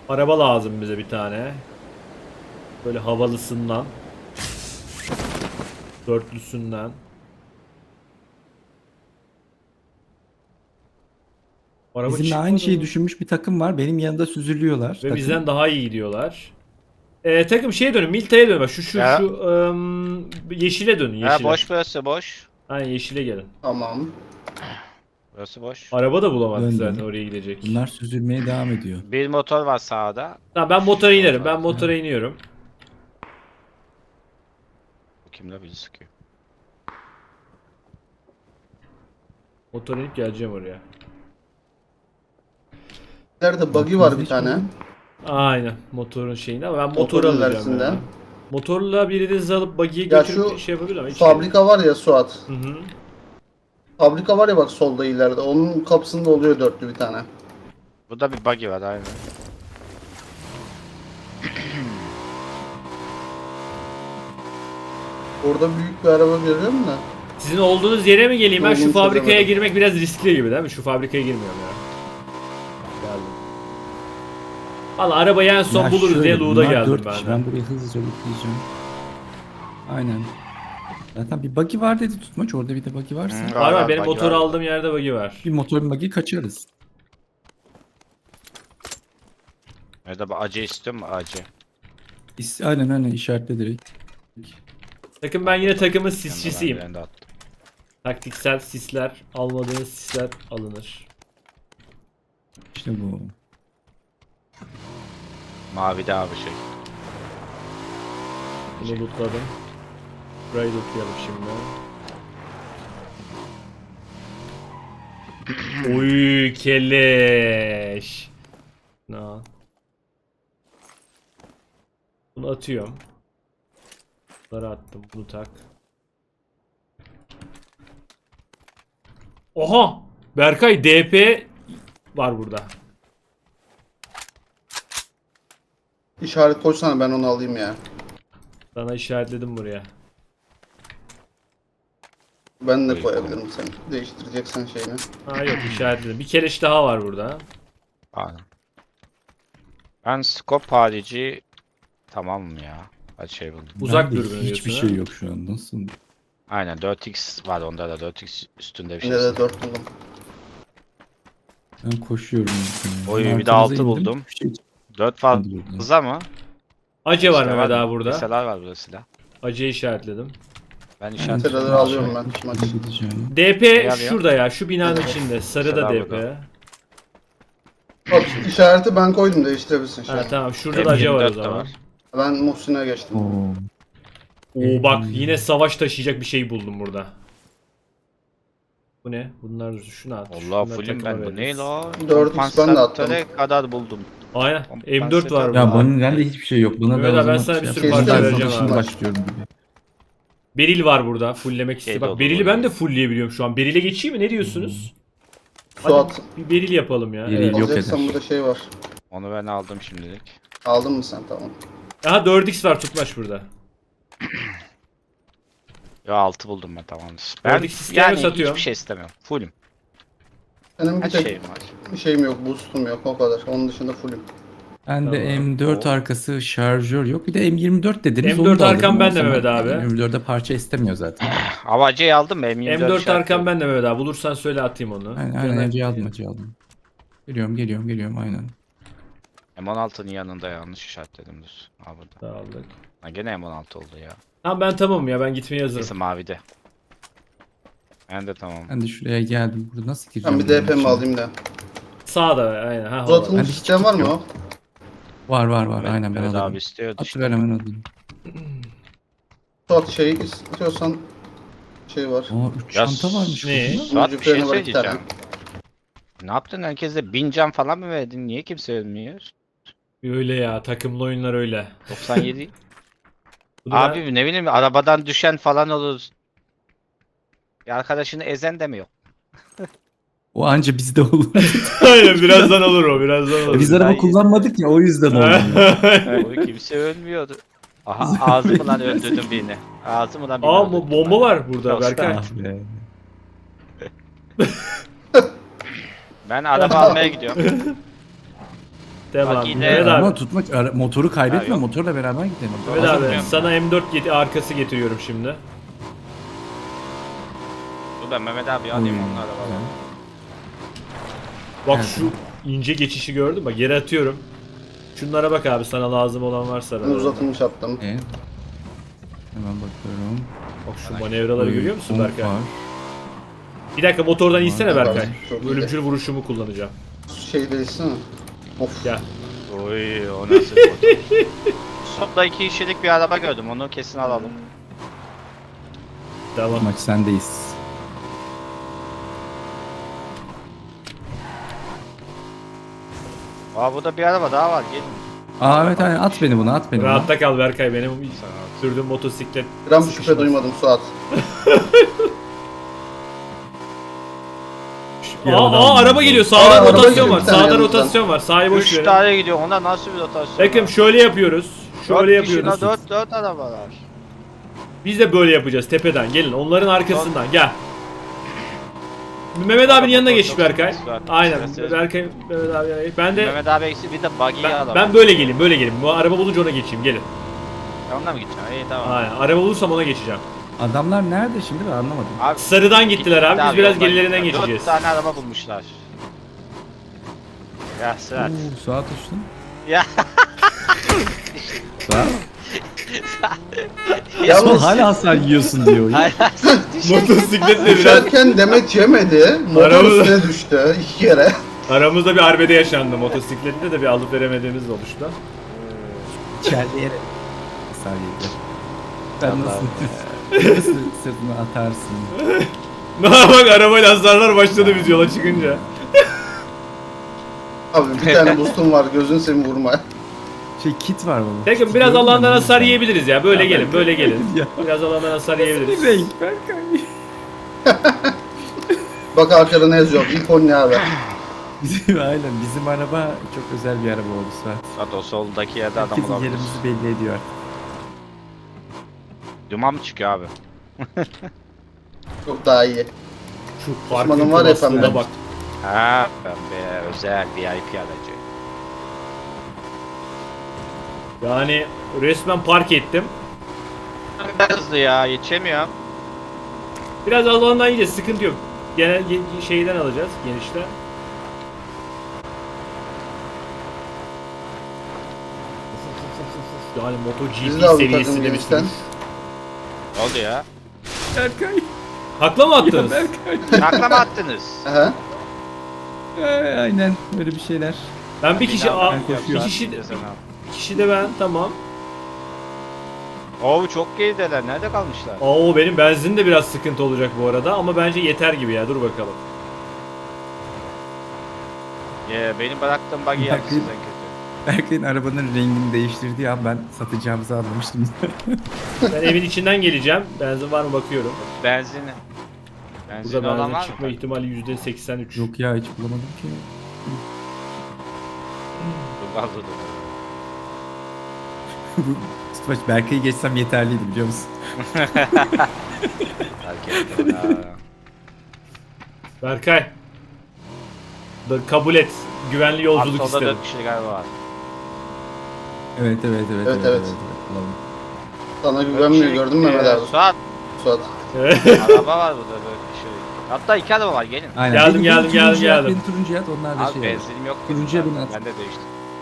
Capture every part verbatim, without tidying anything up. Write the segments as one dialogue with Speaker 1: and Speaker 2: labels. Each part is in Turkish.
Speaker 1: Araba lazım bize bir tane. Böyle havalısından. Dörtlüsünden. Araba
Speaker 2: Bizimle
Speaker 1: çıkmadı
Speaker 2: aynı şeyi
Speaker 1: mı?
Speaker 2: düşünmüş bir takım var. Benim yanında süzülüyorlar
Speaker 1: Ve
Speaker 2: takım.
Speaker 1: bizden daha iyi gidiyorlar. Ee, takım şeye dönün, Milta'ya dönün. Bak Şu şu
Speaker 3: Ya.
Speaker 1: şu ım, yeşile dönün,
Speaker 3: Ha,
Speaker 1: yeşile.
Speaker 3: boş burası boş.
Speaker 1: Aynen yeşile gelin.
Speaker 4: Tamam.
Speaker 3: Burası boş.
Speaker 1: Araba da bulamadık
Speaker 2: Döndüm.
Speaker 1: zaten oraya gidecek.
Speaker 2: Bunlar süzülmeye devam ediyor.
Speaker 3: Bir motor var sağda.
Speaker 1: Tamam ben motora
Speaker 3: Şu
Speaker 1: inerim. Ben
Speaker 3: motor.
Speaker 1: motora iniyorum.
Speaker 3: Bu kimle bizi sıkıyor?
Speaker 1: Motora inip geleceğim oraya.
Speaker 4: Nerede buggy var bir tane.
Speaker 1: Aynen motorun şeyinde ama ben motor
Speaker 4: Motorun
Speaker 1: alacağım
Speaker 4: ilerisinde.
Speaker 1: ya. Motorla birinizi alıp buggy'ye
Speaker 4: Ya
Speaker 1: götürüp
Speaker 4: şu
Speaker 1: şey yapabilir ama hiç
Speaker 4: Fabrika var ya Suat.
Speaker 1: Hı hı.
Speaker 4: Fabrika var ya bak solda ileride. Onun kapısında oluyor dörtlü bir tane.
Speaker 3: Burada bir buggy var aynen.
Speaker 4: Orada büyük bir araba görüyorum da.
Speaker 1: Sizin olduğunuz yere mi geleyim ben? Şu
Speaker 4: Olduğunu
Speaker 1: fabrikaya
Speaker 4: çözemedim.
Speaker 1: girmek biraz riskli gibi değil mi? Şu fabrikaya girmiyorum ya. Geldim. Valla arabayı en son
Speaker 2: Ya
Speaker 1: buluruz
Speaker 2: şöyle,
Speaker 1: diye Luğda
Speaker 2: bunlar
Speaker 1: geldim
Speaker 2: dört
Speaker 1: ben
Speaker 2: kişi.
Speaker 1: de.
Speaker 2: Ben burayı hızlıca bitireceğim. Aynen. Zaten bir buggy var dedi Tutmaç. Orada bir de buggy varsa.
Speaker 3: Hı.
Speaker 1: Var var
Speaker 3: Var,
Speaker 1: benim
Speaker 3: buggy
Speaker 1: motoru
Speaker 3: var.
Speaker 1: aldığım yerde buggy var.
Speaker 2: Bir motor buggy kaçarız.
Speaker 3: Nerede bu acı istiyor mu acı?
Speaker 2: İs- Aynen aynen işaretle direkt.
Speaker 1: Takım ben yine takımın
Speaker 3: Yanına
Speaker 1: sisçisiyim.
Speaker 3: ben de attım.
Speaker 1: Taktiksel sisler, almadığınız sisler alınır.
Speaker 2: İşte bu.
Speaker 3: Mavide abi şey.
Speaker 1: Bunu lootladım. Burayı lootlayalım şimdi. Uy keleş. Na. Bunu atıyorum. Bunları attım. Bunu tak. Oha! Berkay D P var burada.
Speaker 4: İşaret koysana ben onu alayım ya.
Speaker 1: Sana işaretledim buraya.
Speaker 4: Ben de
Speaker 3: Koy,
Speaker 4: koyabilirim sen. Değiştireceksen şeyini.
Speaker 1: Ha yok işaretledim. Bir keleş daha var burada.
Speaker 3: Aynen. Ben scope harici tamam ya. Hadi şey buldum.
Speaker 1: Uzak
Speaker 2: Bende
Speaker 1: dürbün
Speaker 2: hiçbir
Speaker 1: diyorsun,
Speaker 2: şey
Speaker 1: ha?
Speaker 2: yok şu an. Nasıl?
Speaker 3: Aynen dört x var onda da dört x üstünde bir şey.
Speaker 4: Yine de dört buldum.
Speaker 2: Ben koşuyorum.
Speaker 3: Oy, bir de
Speaker 2: Arkanıza
Speaker 3: altı
Speaker 2: indim.
Speaker 3: buldum.
Speaker 2: Bir şey
Speaker 3: dört
Speaker 2: çıkmadı buradan.
Speaker 3: fazla mı?
Speaker 1: Ace var
Speaker 3: Silah
Speaker 1: Mehmet
Speaker 3: mı?
Speaker 1: abi burada.
Speaker 3: Liseler var burada silah.
Speaker 1: Ace'yi işaretledim.
Speaker 3: Ben
Speaker 2: Ben
Speaker 3: işaret
Speaker 4: Liseleri alıyorum ben.
Speaker 2: Şöyle
Speaker 4: Maç.
Speaker 2: gideceğim.
Speaker 1: D P
Speaker 3: alıyor?
Speaker 1: şurada ya. Şu binanın
Speaker 4: Evet.
Speaker 1: içinde. Sarıda
Speaker 3: Selam
Speaker 1: D P.
Speaker 3: bakalım.
Speaker 4: Bak işareti ben koydum değiştirebilirsin şey.
Speaker 1: Ha tamam şurada da Ace var o
Speaker 3: M yirmi dört de
Speaker 1: zaman.
Speaker 3: var.
Speaker 4: Ben Muhsin'e geçtim.
Speaker 2: Oo.
Speaker 1: Oo bak yine savaş taşıyacak bir şey buldum burada. Bu ne? Bunlar şunu at.
Speaker 3: Allah
Speaker 1: şunları
Speaker 3: fullüm
Speaker 1: takıma
Speaker 3: ben bu ne
Speaker 1: veririz.
Speaker 3: la?
Speaker 4: dört x ben de attım.
Speaker 3: Kompansatöre kadar buldum.
Speaker 1: Aynen. M dört var
Speaker 3: Ya
Speaker 1: burada.
Speaker 2: Ya bana bende hiçbir şey yok. Buna
Speaker 1: Mehmet
Speaker 2: da o
Speaker 1: abi, ben
Speaker 2: zaman
Speaker 1: sana bir
Speaker 2: şey
Speaker 1: sürü
Speaker 2: yapayım.
Speaker 4: parça
Speaker 2: Ben
Speaker 4: vereceğim
Speaker 2: şimdi
Speaker 4: abi.
Speaker 2: başlıyorum gibi.
Speaker 1: Beril var burada. Fulllemek istiyor.
Speaker 3: Şey de
Speaker 1: Bak
Speaker 3: olur,
Speaker 1: Beril'i
Speaker 3: olur.
Speaker 1: ben de fullleyebiliyorum şu an. Beril'e geçeyim mi? Ne diyorsunuz?
Speaker 4: Suat.
Speaker 1: Hadi bir Beril yapalım ya.
Speaker 2: Beril
Speaker 1: Evet.
Speaker 2: yok.
Speaker 4: Alacaksan
Speaker 2: eder.
Speaker 4: burada şey var.
Speaker 3: Onu ben aldım şimdilik.
Speaker 4: Aldın mı sen tamam.
Speaker 1: Aha dört x var Tutmaç burada.
Speaker 3: Ya altı buldum ben tamamdır. Ben
Speaker 1: Oradaki sistemi
Speaker 3: yani
Speaker 1: satıyorum.
Speaker 3: hiçbir şey istemiyorum. Fullüm.
Speaker 4: Benim bir
Speaker 3: Her
Speaker 4: tek
Speaker 3: şeyim var.
Speaker 4: bir şeyim yok. Boost'um yok o kadar. Onun dışında fullüm.
Speaker 2: Bende
Speaker 1: Tamam.
Speaker 2: M dört
Speaker 3: Oo.
Speaker 2: arkası şarjör yok. Bir de M yirmi dört dediniz.
Speaker 1: M
Speaker 2: onu
Speaker 1: dört
Speaker 2: da
Speaker 1: arkam
Speaker 2: alırım.
Speaker 1: bende
Speaker 2: O zaman
Speaker 1: Mehmet abi.
Speaker 2: M yirmi dörde parça istemiyor zaten.
Speaker 3: Havacıyı aldım mı? M yirmi dört
Speaker 1: M dört arkam
Speaker 3: işaretliyorum.
Speaker 1: ben de Mehmet abi. Bulursan söyle atayım onu.
Speaker 2: Aynen
Speaker 1: Ya
Speaker 2: aynen
Speaker 1: da-
Speaker 2: acı aldım acı aldım. Geliyorum geliyorum geliyorum aynen.
Speaker 3: M on altının yanında yanlış işaretledim düz. Ha burada.
Speaker 1: Sağlık.
Speaker 3: Ha, gene M on altı oldu ya.
Speaker 1: Tamam ben tamamım ya ben gitmeye
Speaker 3: Neyse
Speaker 1: hazırım.
Speaker 3: mavide. Ben de tamam.
Speaker 2: Ben de şuraya geldim. Burada nasıl gireceğim?
Speaker 4: Ben bir D P
Speaker 2: bunun
Speaker 4: mi
Speaker 2: içine?
Speaker 4: alayım da.
Speaker 1: Sağda aynen. Ha,
Speaker 4: Uzatılmış
Speaker 2: Bende hiç
Speaker 4: sistem var mı
Speaker 2: kit
Speaker 4: o?
Speaker 2: yok. Var var var
Speaker 3: Evet,
Speaker 2: aynen ben
Speaker 3: evet
Speaker 2: alırım.
Speaker 3: abi istiyordu işte.
Speaker 2: Atıver hemen alayım.
Speaker 4: Suat şeyi istiyorsan şey var.
Speaker 2: Aa üç
Speaker 3: Ya
Speaker 2: çanta varmış
Speaker 1: ne?
Speaker 2: burada.
Speaker 3: Suat bir şey
Speaker 4: freni var iki tane.
Speaker 3: söyleyeceğim. Ne yaptın herkese bin can falan mı verdin? Niye kimse ölmüyor?
Speaker 1: Öyle ya takımlı oyunlar öyle.
Speaker 3: doksan yedi.
Speaker 1: Bu da ben-
Speaker 3: Abi ne bileyim arabadan düşen falan olur. Bir arkadaşını ezen de mi yok?
Speaker 2: O anca bizde olur.
Speaker 1: Aynen birazdan olur o birazdan olur.
Speaker 2: Biz araba
Speaker 3: Hayır.
Speaker 2: kullanmadık ya o yüzden olmuyor.
Speaker 3: O kimse ölmüyordu. Aha ağzımı lan öldürdüm birini. Ağzımı lan birini
Speaker 1: Aa
Speaker 3: öldürdüm
Speaker 1: bu bomba
Speaker 3: ben.
Speaker 1: var burada
Speaker 3: Yok,
Speaker 1: Berkay.
Speaker 2: Ah be.
Speaker 3: Ben araba almaya gidiyorum.
Speaker 1: Devam.
Speaker 3: Bak yine-
Speaker 1: Mehmet
Speaker 2: Ama
Speaker 1: abi.
Speaker 2: tutmaç ara- motoru kaybetme,
Speaker 3: Ha, yok.
Speaker 2: motorla beraber gidelim.
Speaker 1: Mehmet abi
Speaker 3: Anlatmıyorum.
Speaker 1: sana M dört get- arkası getiriyorum şimdi.
Speaker 3: Dur ben Mehmet abi alayım
Speaker 2: Oy,
Speaker 3: onları valla.
Speaker 2: güzel.
Speaker 1: Bak
Speaker 2: Evet.
Speaker 1: şu ince geçişi gördün mü? Bak yere atıyorum. Şunlara bak abi, sana lazım olan varsa.
Speaker 4: Ben
Speaker 1: arada.
Speaker 4: uzatılmış attım.
Speaker 2: Evet. Hemen bakıyorum.
Speaker 1: Bak şu manevraları
Speaker 2: Oy,
Speaker 1: görüyor musun
Speaker 2: pomp
Speaker 1: Berkay?
Speaker 2: var.
Speaker 1: Bir dakika motordan insene
Speaker 4: Var,
Speaker 1: Berkay.
Speaker 4: çok iyi.
Speaker 1: Ölümcül vuruşumu kullanacağım.
Speaker 4: Şey değilsin mi? Of.
Speaker 1: Gel.
Speaker 3: Oy o nasıl motor? Sonunda iki kişilik bir araba gördüm onu kesin alalım.
Speaker 1: Tamam.
Speaker 2: Maç sendeyiz.
Speaker 3: Aa burada bir araba daha var gelin.
Speaker 2: Aa evet aynen, at beni buna, at beni buna.
Speaker 1: Rahatta kal Berkay, benim sürdüğüm motosiklet
Speaker 4: Gram
Speaker 1: sıkışmaz.
Speaker 4: şüphe duymadım Suat.
Speaker 2: Bir
Speaker 1: Aa,
Speaker 2: araba
Speaker 1: aa
Speaker 2: aldım.
Speaker 1: araba geliyor,
Speaker 4: Aa,
Speaker 1: sağdan
Speaker 4: araba
Speaker 1: rotasyon
Speaker 4: geliyor,
Speaker 1: var,
Speaker 4: bir tane
Speaker 1: sağdan
Speaker 4: yanımızdan.
Speaker 1: rotasyon var, sağa boş
Speaker 3: Üç
Speaker 1: verin.
Speaker 3: tane gidiyor ona nasıl bir rotasyon
Speaker 1: Bakın
Speaker 3: var?
Speaker 1: şöyle yapıyoruz, şöyle
Speaker 3: Dört kişi,
Speaker 1: yapıyoruz.
Speaker 3: Dört, dört arabalar.
Speaker 1: Biz de böyle yapacağız tepeden, gelin onların arkasından gel. Mehmet abinin yanına geç
Speaker 3: Çok
Speaker 1: Berkay.
Speaker 3: sıkıntı var.
Speaker 1: Aynen,
Speaker 3: Evet.
Speaker 1: Berkay, Mehmet abi yanına geç. Ben de
Speaker 3: Mehmet abi eksi bir de buggy'yi
Speaker 1: ben,
Speaker 3: alalım.
Speaker 1: ben böyle geleyim, böyle geleyim. Bu araba bulunca ona geçeyim, gelin.
Speaker 3: Ben onunla mı gideceğim? İyi tamam.
Speaker 1: Aynen, araba bulursam ona geçeceğim.
Speaker 2: Adamlar nerede şimdi, ben anlamadım.
Speaker 3: Abi,
Speaker 1: Sarıdan gittiler abi, biz biraz
Speaker 3: yoldan
Speaker 1: gerilerinden
Speaker 3: gittiler.
Speaker 1: geçeceğiz.
Speaker 3: Dört tane araba bulmuşlar. Ya Sırat.
Speaker 2: Oo, Suat uçtun.
Speaker 3: Ya.
Speaker 2: Suat.
Speaker 4: Yalnız
Speaker 2: Hala hasar yiyorsun diyor.
Speaker 3: Hayır.
Speaker 1: Motosikletle biraz
Speaker 4: düşerken Demet yemedi. Motor
Speaker 1: Araba-
Speaker 4: üstüne düştü iki kere.
Speaker 1: aramızda bir arbede yaşandı. Motosiklette de bir alıp veremediğimiz oluştu.
Speaker 2: İçerleyerek hasar yedi. Ben
Speaker 3: Allah'ım
Speaker 2: nasıl, nasıl sırtını atarsın?
Speaker 1: Bak arabayla hasarlar başladı biz yola çıkınca.
Speaker 4: Abi bir tane boostum var, gözün seni vurma.
Speaker 2: Şey kit var baba.
Speaker 1: Peki
Speaker 2: Kit
Speaker 1: biraz
Speaker 2: gördün mü?
Speaker 1: alandan hasar yiyebiliriz ya. Böyle
Speaker 2: Ya
Speaker 1: gelin,
Speaker 2: ben-
Speaker 1: böyle gelin.
Speaker 2: Ya.
Speaker 1: Biraz alandan hasar yiyebiliriz.
Speaker 2: Bir renk Berkay.
Speaker 4: Bak arkada ne yazıyor? İpon ne abi?
Speaker 2: Bizim, aynen bizim araba çok özel bir araba oldu Suat.
Speaker 3: Sırat o soldaki yerde adam
Speaker 2: Herkesin
Speaker 3: olabilir.
Speaker 2: yerimizi belli ediyor artık.
Speaker 3: Duman mı çıkıyor abi?
Speaker 4: Çok daha iyi.
Speaker 1: Şu
Speaker 4: Osman'ın
Speaker 1: parkın
Speaker 4: var ya
Speaker 1: klasına
Speaker 4: pembe.
Speaker 1: bak.
Speaker 3: Ha pembe özel V I P aracı.
Speaker 1: Yani resmen park ettim.
Speaker 3: Hızlı ya yetişemiyorum.
Speaker 1: Biraz alandan yiyeceğiz, sıkıntı yok. Genel ge- şeyden alacağız, genişten. Yani
Speaker 4: Biz
Speaker 1: MotoGP
Speaker 4: de aldık takım
Speaker 1: seviyesinde bir
Speaker 4: genişten.
Speaker 1: sürüş.
Speaker 3: Ne oldu ya?
Speaker 2: Berkay.
Speaker 1: Hakla mı
Speaker 2: Ya
Speaker 1: attınız?
Speaker 2: Berkay.
Speaker 3: Takla mı attınız?
Speaker 4: Aha.
Speaker 2: Ay, aynen böyle bir şeyler.
Speaker 1: Ben bir kişi, a,
Speaker 2: Ben
Speaker 1: bir
Speaker 2: koşuyorum.
Speaker 1: kişi, bir kişi de ben, tamam.
Speaker 3: Oo çok gerideler. Nerede kalmışlar?
Speaker 1: Oo benim benzin de biraz sıkıntı olacak bu arada ama bence yeter gibi ya, dur bakalım.
Speaker 3: Ya benim bıraktığım buggy
Speaker 2: Bakayım.
Speaker 3: yaptı sizden kötü.
Speaker 2: Berkay'ın arabanın rengini değiştirdiği an ben satacağımızı anlamıştım.
Speaker 1: Ben evin içinden geleceğim, benzin var mı bakıyorum.
Speaker 3: Benzini. Benzin
Speaker 1: Burada
Speaker 3: olan
Speaker 1: benzin
Speaker 3: var
Speaker 1: çıkma
Speaker 3: mı?
Speaker 1: ihtimali yüzde seksen üç.
Speaker 2: Yok ya hiç bulamadım ki.
Speaker 3: Dur lan dur dur.
Speaker 2: Tutmaç Berkay'ı geçsem yeterliydi biliyor musun?
Speaker 3: Fark ettim ha.
Speaker 1: Berkay. Da kabul et. Güvenli yolculuk
Speaker 3: Abi solda
Speaker 1: istedim.
Speaker 3: dört kişi galiba var.
Speaker 2: Evet evet evet.
Speaker 4: Evet, evet.
Speaker 2: Bulalım.
Speaker 4: Sana
Speaker 3: Dört
Speaker 4: güvenmiyor
Speaker 3: kişi-
Speaker 4: gördün mü Mehmet
Speaker 3: Ee,
Speaker 4: abi?
Speaker 3: Suat.
Speaker 4: Suat.
Speaker 3: Araba var burada dört kişi. Hatta iki araba var gelin.
Speaker 2: Aynen.
Speaker 1: Geldim,
Speaker 2: Beni-
Speaker 1: geldim,
Speaker 2: beni
Speaker 1: geldim,
Speaker 2: turuncuya at,
Speaker 1: geldim.
Speaker 2: Beni turuncuya at, onlar da
Speaker 3: Abi
Speaker 2: şey olur.
Speaker 3: benzinim yok.
Speaker 2: Turuncuya
Speaker 3: benim.
Speaker 2: bin at.
Speaker 3: Ben de değiştim.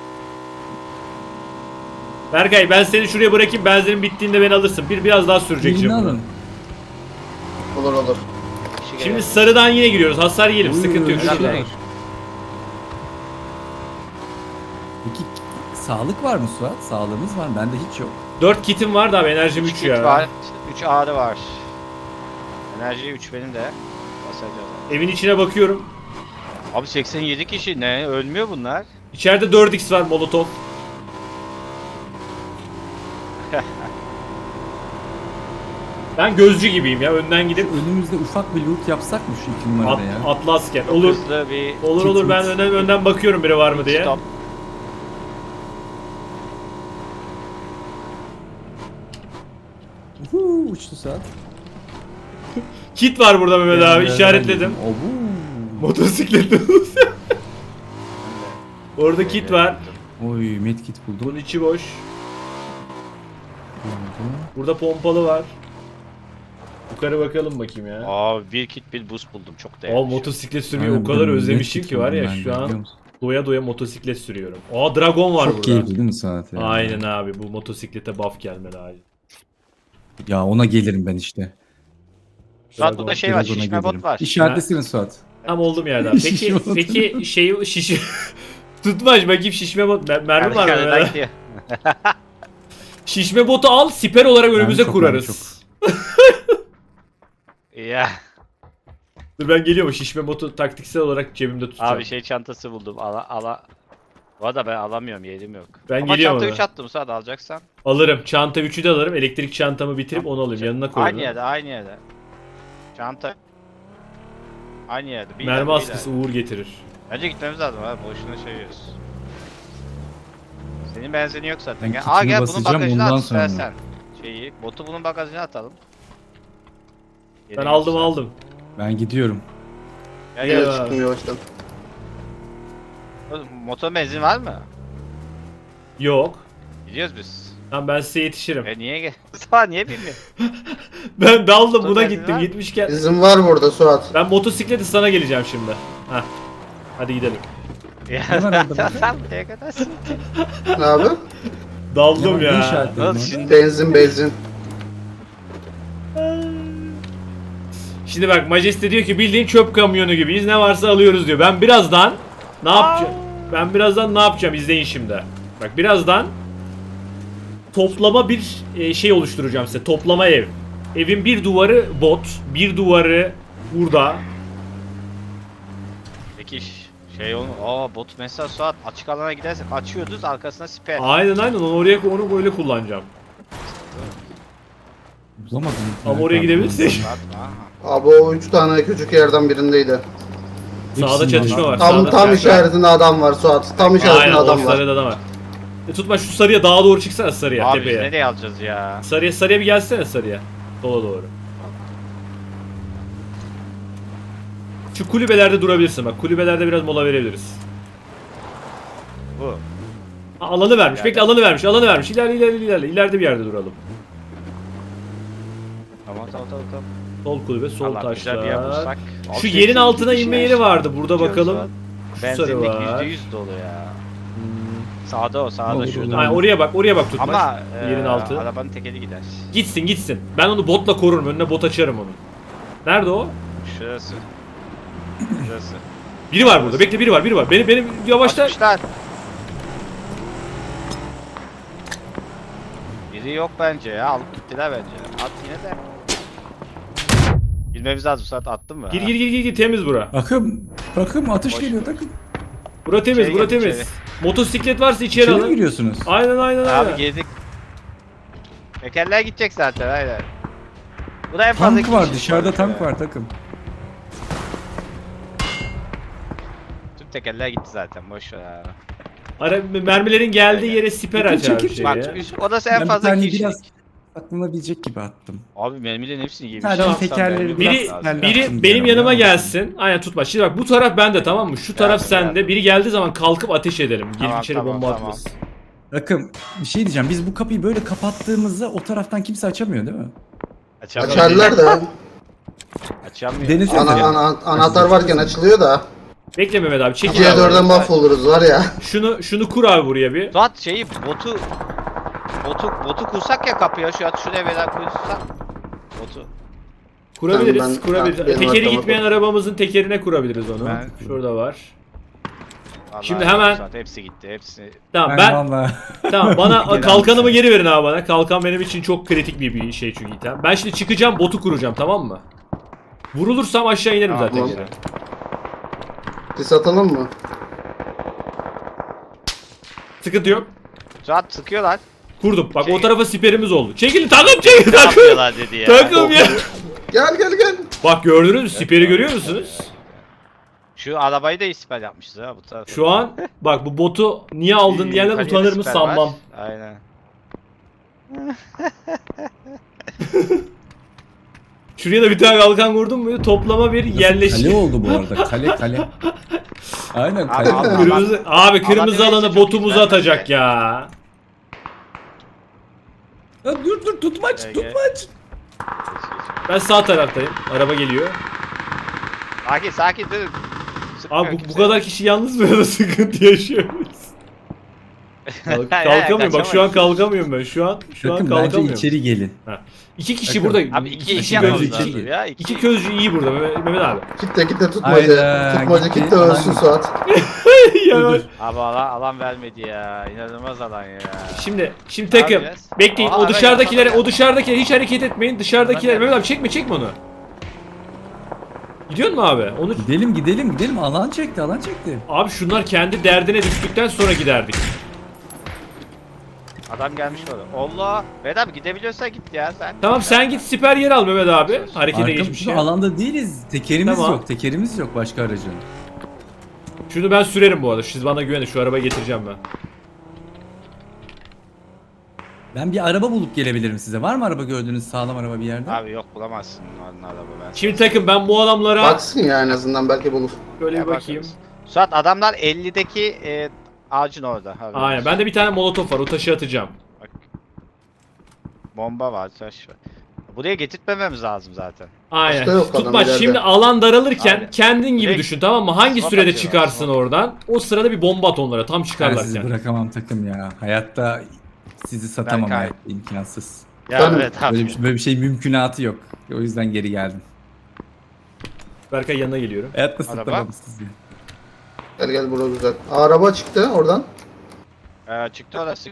Speaker 1: Berkay ben seni şuraya bırakayım, benzinin bittiğinde beni alırsın. Bir biraz daha sürecek
Speaker 2: Birini
Speaker 1: şimdi.
Speaker 2: alın.
Speaker 4: Olur olur.
Speaker 3: Kişi
Speaker 1: Şimdi
Speaker 3: geliyor.
Speaker 1: sarıdan yine giriyoruz. Hasar yiyelim.
Speaker 2: Oy,
Speaker 1: Sıkıntı yok.
Speaker 2: oy,
Speaker 3: Helal
Speaker 1: Şimdi-
Speaker 2: oy.
Speaker 3: olsun.
Speaker 2: Peki sağlık var mı Suat? Sağlığımız var mı? Bende hiç yok.
Speaker 1: dört kitim var da abi, enerjim
Speaker 3: Üç
Speaker 1: üç
Speaker 3: kit
Speaker 1: ya.
Speaker 3: var. üç ağrı var. Enerji üç benim de. Basacağız.
Speaker 1: Evin içine bakıyorum.
Speaker 3: Abi seksen yedi kişi ne? Ölmüyor bunlar.
Speaker 1: İçeride dört x var, Molotov. Ben gözcü gibiyim ya, önden gidip
Speaker 2: Önümüzde ufak bir loot yapsak mı şu iki
Speaker 1: at,
Speaker 2: numarada ya?
Speaker 1: atlı asker.
Speaker 3: Çok
Speaker 1: Olur.
Speaker 3: hızlı bir
Speaker 1: Olur olur, ben
Speaker 2: Kit-
Speaker 1: önden, önden bakıyorum biri var mı diye.
Speaker 3: stop.
Speaker 2: Uhu, uçtu Suat.
Speaker 1: Kit var burada Mehmet abi,
Speaker 2: Yerlerden
Speaker 1: işaretledim.
Speaker 2: yedim. Obu.
Speaker 1: Motosikletle. Orada kit var.
Speaker 2: Oy medkit buldum.
Speaker 1: Bunun içi boş.
Speaker 2: Buldum.
Speaker 1: Burada pompalı var. Yukarı bakalım bakayım ya.
Speaker 3: Aa bir kit bir boost buldum. Çok değerli.
Speaker 1: Aa
Speaker 3: bir şey.
Speaker 1: motosiklet sürmeyi
Speaker 2: Aynen,
Speaker 1: o kadar
Speaker 2: ben
Speaker 1: özlemişim
Speaker 2: medkit
Speaker 1: ki var
Speaker 2: buldum
Speaker 1: ya
Speaker 2: ben de,
Speaker 1: şu
Speaker 2: biliyor
Speaker 1: an
Speaker 2: musun?
Speaker 1: doya doya motosiklet sürüyorum. Aa Dragon var
Speaker 2: Çok
Speaker 1: burada.
Speaker 2: keyifli değil mi Suat ya?
Speaker 1: Aynen abi bu motosiklete buff gelmeli abi.
Speaker 2: Ya ona gelirim ben işte.
Speaker 3: Suat burada şey var.
Speaker 2: Dragon'a
Speaker 3: Şişme
Speaker 2: gelirim.
Speaker 3: bot var.
Speaker 2: İşaretlesene Suat.
Speaker 1: Tam oldum yerden. Peki
Speaker 2: Şişme botu.
Speaker 1: peki şey şiş tutmaç bakayım şişme bot mer- mermi var mı?
Speaker 3: Arkadan
Speaker 1: Mermi?
Speaker 3: gidiyor.
Speaker 1: Şişme botu al siper olarak önümüze
Speaker 2: çok,
Speaker 1: kurarız.
Speaker 3: Ya.
Speaker 1: Dur ben geliyorum şişme botu taktiksel olarak cebimde tutacağım.
Speaker 3: Abi şey çantası buldum. Ala ala. Bu arada ben alamıyorum. Yerim yok.
Speaker 1: Ben
Speaker 3: Ama
Speaker 1: geliyorum
Speaker 3: çanta
Speaker 1: ona.
Speaker 3: üç attım Suat alacaksan.
Speaker 1: Alırım. Çanta üçü de alırım. Elektrik çantamı bitirip onu alayım. Yanına koyarım.
Speaker 3: Aynı yerde aynı yerde. Çanta. Aynı yerde. Bir
Speaker 1: Mermi
Speaker 3: ileride, bir
Speaker 1: askısı
Speaker 3: ileride.
Speaker 1: uğur getirir.
Speaker 3: Bence gitmemiz lazım abi. Boşuna şey yiyoruz. Senin benzini yok zaten.
Speaker 2: Ben
Speaker 3: Gel.
Speaker 2: kitimi
Speaker 3: Aa gel bunun
Speaker 2: basacağım,
Speaker 3: bagajına
Speaker 2: ondan
Speaker 3: at
Speaker 2: sonra.
Speaker 3: istersen. Şeyi. Botu bunun bagajına atalım.
Speaker 1: Ben
Speaker 3: Yerim
Speaker 1: aldım
Speaker 3: yoksa.
Speaker 1: aldım.
Speaker 2: Ben gidiyorum.
Speaker 3: Gel
Speaker 1: Gel
Speaker 3: gel.
Speaker 1: abi.
Speaker 4: Çıktım yavaştan.
Speaker 3: Oğlum, motor benzin var mı?
Speaker 1: Yok.
Speaker 3: Gidiyoruz biz.
Speaker 1: Tamam ben size yetişirim.
Speaker 3: E niye gel? Mustafa niye bilmiyor?
Speaker 1: Ben daldım buna
Speaker 3: Motor
Speaker 1: gittim
Speaker 3: benzin var mı?
Speaker 1: gitmişken.
Speaker 4: Bizim var burada Suat.
Speaker 1: Ben motosikleti sana geleceğim şimdi. Heh. Hadi gidelim.
Speaker 3: Ya
Speaker 2: Ne var orada bak?
Speaker 3: sen buraya kaдаrsın.
Speaker 4: Ne abi?
Speaker 1: Daldım
Speaker 2: Ne
Speaker 1: ya.
Speaker 2: işaretledin
Speaker 3: Nasıl
Speaker 2: orada?
Speaker 3: şimdi?
Speaker 4: Benzin benzin.
Speaker 1: Şimdi bak Majeste diyor ki bildiğin çöp kamyonu gibiyiz. Ne varsa alıyoruz diyor. Ben birazdan ne yapacağım? Ben birazdan ne yapacağım? İzleyin şimdi. Bak birazdan toplama bir e, şey oluşturacağım size. Toplama ev. Evin bir duvarı bot, bir duvarı burada.
Speaker 3: Peki ş- şey onu aa bot mesela Suat açık alana gidersek açıyoruz arkasına siper.
Speaker 1: Aynen aynen onu oraya onu böyle kullanacağım.
Speaker 2: Bulamadım.
Speaker 1: Ama oraya gidebilirsek.
Speaker 3: Suat, aha.
Speaker 4: Abi o üç tane küçük yerden birindeydi.
Speaker 1: Sağda
Speaker 2: Hepsini
Speaker 1: çatışma
Speaker 2: aldım.
Speaker 1: var.
Speaker 4: Tam
Speaker 1: sağda
Speaker 4: tam
Speaker 1: çatışma.
Speaker 4: işaretinde adam var Suat. Tam işaretinde
Speaker 1: Aynen
Speaker 4: adam
Speaker 1: o
Speaker 4: var.
Speaker 1: sarıda adam var. E, tutma şu sarıya dağa doğru çıksana sarıya
Speaker 3: Abi biz
Speaker 1: tepeye.
Speaker 3: nereye alacağız ya?
Speaker 1: Sarıya sarıya bir gelsene sarıya. Sola doğru. Şu kulübelerde durabilirsin bak. Kulübelerde biraz mola verebiliriz.
Speaker 3: Bu.
Speaker 1: Ha, alanı vermiş.
Speaker 3: Yani-
Speaker 1: Bekle alanı vermiş. Alanı vermiş. İlerle ilerle ilerle. İleride bir yerde duralım.
Speaker 3: Tamam tamam tamam tamam.
Speaker 1: Sol kulübe, sol
Speaker 3: Allah güzel bir yer
Speaker 1: taşlar.
Speaker 3: bulsak. Abi
Speaker 1: Şu
Speaker 3: şey,
Speaker 1: yerin
Speaker 3: şey,
Speaker 1: altına
Speaker 3: şey,
Speaker 1: inme
Speaker 3: şey,
Speaker 1: yeri vardı. Burada
Speaker 3: gidiyoruz
Speaker 1: bakalım.
Speaker 3: Suat.
Speaker 1: Şu sarı
Speaker 3: Benzinlik
Speaker 1: var.
Speaker 3: yüzde yüz dolu ya.
Speaker 1: Hmm.
Speaker 3: Sağda o sağda
Speaker 2: Olur,
Speaker 3: şurada.
Speaker 2: olur.
Speaker 1: Ay, oraya bak. Oraya bak tutmaç.
Speaker 3: Ama e,
Speaker 1: yerin altı.
Speaker 3: arabanın tekeri gider.
Speaker 1: Gitsin gitsin. Ben onu botla korurum. Önüne bot açarım onu. Nerede o?
Speaker 3: Şurası. Şurası.
Speaker 1: Biri var burada. Bekle biri var. Biri var. Beni beni yavaşla.
Speaker 3: Açmışlar. Biri yok bence ya. Alıp gittiler bence. At yine de. Girmemiz lazım. Saat attın mı?
Speaker 1: Gir gir gir gir gir temiz bura.
Speaker 2: Takım. Takım atış
Speaker 3: Boş.
Speaker 2: geliyor takım.
Speaker 1: Bura temiz,
Speaker 3: İçeri
Speaker 1: bura
Speaker 3: gel,
Speaker 1: temiz.
Speaker 3: içeri.
Speaker 1: Motosiklet varsa içeri
Speaker 2: İçeri mi
Speaker 1: alın.
Speaker 2: giriyorsunuz?
Speaker 1: Aynen aynen aynen.
Speaker 3: Abi girdik. Tekerler gidecek zaten aynen. Bu da en fazla
Speaker 2: Tank
Speaker 3: iki
Speaker 2: var
Speaker 3: kişi
Speaker 2: dışarıda
Speaker 3: var
Speaker 2: tank
Speaker 3: ya.
Speaker 2: var takım.
Speaker 3: Tüm tekerler gitti zaten boş ver abi.
Speaker 1: Ara, mermilerin geldiği
Speaker 3: Aynen.
Speaker 1: yere siper
Speaker 2: Çekil,
Speaker 1: açar
Speaker 2: çekil,
Speaker 1: şeyi.
Speaker 3: Bak üst- odası en
Speaker 2: Ben bir
Speaker 3: fazla
Speaker 2: tane
Speaker 3: iki kişilik.
Speaker 2: biraz aklanabilecek gibi attım.
Speaker 3: Abi mermilerin hepsini yemiş.
Speaker 2: Sadece
Speaker 1: Tamam,
Speaker 2: tekerleri
Speaker 3: mermi
Speaker 2: biraz
Speaker 1: Biri,
Speaker 3: lazım.
Speaker 2: siperle
Speaker 1: biri
Speaker 2: attım
Speaker 1: benim
Speaker 2: bir
Speaker 1: yanıma
Speaker 2: araya.
Speaker 1: gelsin. Aynen tutma. Şimdi bak bu taraf bende tamam mı? Şu taraf
Speaker 3: Geldim,
Speaker 1: sende.
Speaker 3: geldim.
Speaker 1: Biri geldiği zaman kalkıp ateş edelim. Gelip
Speaker 3: Tamam,
Speaker 1: içeri
Speaker 3: tamam,
Speaker 1: bomba
Speaker 3: tamam.
Speaker 1: atmasın.
Speaker 2: Takım bir şey diyeceğim. Biz bu kapıyı böyle kapattığımızda o taraftan kimse açamıyor değil mi?
Speaker 3: Açamıyor.
Speaker 4: Açarlar da.
Speaker 3: Açamıyor.
Speaker 2: Denesene.
Speaker 4: Ana, ana, anahtar varken açılıyor da.
Speaker 1: Bekle Mehmet abi. Çekil
Speaker 4: ikiye
Speaker 1: abi.
Speaker 4: dörden mahvoluruz var ya.
Speaker 1: Şunu şunu kur abi buraya bir.
Speaker 3: Suat şeyi botu botu botu kursak ya kapıya şu an şuraya beden kursak. Botu.
Speaker 1: Kurabiliriz.
Speaker 4: Ben- ben-
Speaker 1: kurabiliriz.
Speaker 4: ben- benim
Speaker 1: Tekeri
Speaker 4: arkama
Speaker 1: gitmeyen
Speaker 4: koy.
Speaker 1: arabamızın tekerine kurabiliriz onu.
Speaker 3: Ben-
Speaker 1: Şurada var.
Speaker 3: Vallahi
Speaker 1: Şimdi hemen-
Speaker 3: Suat hepsi gitti hepsi.
Speaker 1: Tamam
Speaker 2: Ben,
Speaker 1: ben
Speaker 2: vallahi
Speaker 1: tamam bana
Speaker 2: Gelen
Speaker 1: kalkanımı
Speaker 2: bir şey.
Speaker 1: geri verin abi bana. Kalkan benim için çok kritik bir, bir şey çünkü item. Ben şimdi çıkacağım botu kuracağım tamam mı? Vurulursam aşağı inerim
Speaker 3: Tamam,
Speaker 1: zaten
Speaker 4: tamam.
Speaker 1: geri.
Speaker 4: Biz atalım mı?
Speaker 1: Sıkıntı yok.
Speaker 3: Suat sıkıyorlar.
Speaker 1: Kurdum. Bak
Speaker 3: Şey-
Speaker 1: o tarafa siperimiz oldu. Çekilin takım çekil
Speaker 3: Ne
Speaker 1: takım.
Speaker 3: yapıyorlar dedi ya.
Speaker 1: Takım ya.
Speaker 4: Gel gel gel.
Speaker 1: Bak gördünüz mü? Siperi görüyor musunuz?
Speaker 3: Şu arabayı da ispat yapmışız ha bu tarafa.
Speaker 1: Şu an bak bu botu niye aldın diyenler
Speaker 3: Yukarıya da
Speaker 1: utanır mı
Speaker 3: siper
Speaker 1: sanmam.
Speaker 3: var. Aynen.
Speaker 1: Şuraya da bir tane kalkan vurdum mu toplama bir yerleşim.
Speaker 2: Kale oldu bu arada. Kale kale. Aynen
Speaker 3: Abi,
Speaker 2: kale.
Speaker 3: abi,
Speaker 2: oldu.
Speaker 1: Kırmızı, abi kırmızı
Speaker 3: Alan
Speaker 1: alanı
Speaker 3: çok
Speaker 1: botumuzu
Speaker 3: güzel
Speaker 1: atacak
Speaker 3: bence.
Speaker 1: ya.
Speaker 2: Ya dur dur tutmaç
Speaker 3: Gel, gel.
Speaker 2: tutmaç.
Speaker 1: Ben sağ taraftayım. Araba geliyor.
Speaker 3: Sakin sakin dur.
Speaker 1: Abi bu, bu kadar kişi yalnız mı da sıkıntı yaşıyoruz? Kalk- kalkamıyorum. Bak şu an kalkamıyorum ben. Şu an şu an
Speaker 2: Bakın bence
Speaker 1: kalkamıyorum.
Speaker 2: içeri gelin.
Speaker 1: İki kişi
Speaker 2: Bakın.
Speaker 1: burada.
Speaker 3: Abi iki
Speaker 1: iki
Speaker 3: iş
Speaker 2: gözcü
Speaker 3: yapmamız
Speaker 2: iki-
Speaker 3: lazım ya. İki,
Speaker 1: İki közcü iyi burada Mehmet, Mehmet abi.
Speaker 4: Kitle kitle tutmaca.
Speaker 2: Hayda,
Speaker 4: Tutmaca
Speaker 2: gitti.
Speaker 4: kitle ölsün
Speaker 2: Aynen.
Speaker 4: Suat.
Speaker 1: Ya
Speaker 2: Dur, dur.
Speaker 3: Abi alan, alan vermedi ya. İnanılmaz alan ya.
Speaker 1: Şimdi şimdi takım
Speaker 3: yapacağız?
Speaker 1: bekleyin.
Speaker 3: Aha,
Speaker 1: O
Speaker 3: ara
Speaker 1: dışarıdakilere
Speaker 3: yapalım.
Speaker 1: o dışarıdakiler hiç hareket etmeyin. Dışarıdakiler
Speaker 3: Tamam.
Speaker 1: Mehmet abi çekme çekme onu. Gidiyor mu abi? Onu
Speaker 2: Gidelim gidelim gidelim. Alan çekti alan çekti.
Speaker 1: abi şunlar kendi derdine düştükten sonra giderdik.
Speaker 3: Adam gelmiş orada. Allah. Mehmet abi gidebiliyorsa git ya sen.
Speaker 1: Tamam sen git siper yer al Mehmet abi. Harekete
Speaker 2: Arkamızda
Speaker 1: geçmiş ya.
Speaker 2: alanda değiliz. Tekerimiz
Speaker 1: Tamam.
Speaker 2: yok. Tekerimiz yok başka aracın.
Speaker 1: Şunu ben sürerim bu arada. Siz bana güvenin. Şu arabayı getireceğim ben.
Speaker 2: Ben bir araba bulup gelebilirim size. Var mı araba gördüğünüz sağlam araba bir yerde?
Speaker 3: Abi yok bulamazsın onun araba ben.
Speaker 1: Şimdi takım ben bu adamlara
Speaker 4: Baksın ya en azından belki bulur.
Speaker 1: böyle
Speaker 3: Ya
Speaker 1: bir bakayım.
Speaker 3: bakarız. Suat adamlar ellideki e, ağacın orada. Haberin
Speaker 1: Aynen.
Speaker 3: olsun.
Speaker 1: Bende bir tane molotof var. O taşı atacağım.
Speaker 3: Bomba var, taş var. Buraya getirtmememiz lazım zaten.
Speaker 1: Aynen.
Speaker 4: Başka yok adam
Speaker 1: Tutmaç
Speaker 4: ileride.
Speaker 1: şimdi alan daralırken
Speaker 3: Aynen.
Speaker 1: kendin gibi
Speaker 3: Direkt
Speaker 1: düşün tamam mı? Hangi
Speaker 3: swap
Speaker 1: sürede
Speaker 3: atıyorlar,
Speaker 1: çıkarsın
Speaker 3: swap.
Speaker 1: oradan? O sırada bir bomba at onlara tam
Speaker 2: Ben sizi
Speaker 1: çıkarlarken.
Speaker 2: bırakamam takım ya. Hayatta sizi satamam
Speaker 3: Berkay.
Speaker 2: hayatta imkansız.
Speaker 3: Ya
Speaker 4: Tamam.
Speaker 3: evet abi.
Speaker 2: Böyle bir, böyle bir şey mümkünatı yok. O yüzden geri geldim.
Speaker 1: Berkay yanına geliyorum.
Speaker 2: Hayatta
Speaker 3: Araba?
Speaker 2: satamam sizi.
Speaker 4: Gel gel bura güzel. Araba çıktı oradan.
Speaker 3: Ee, çıktı orası.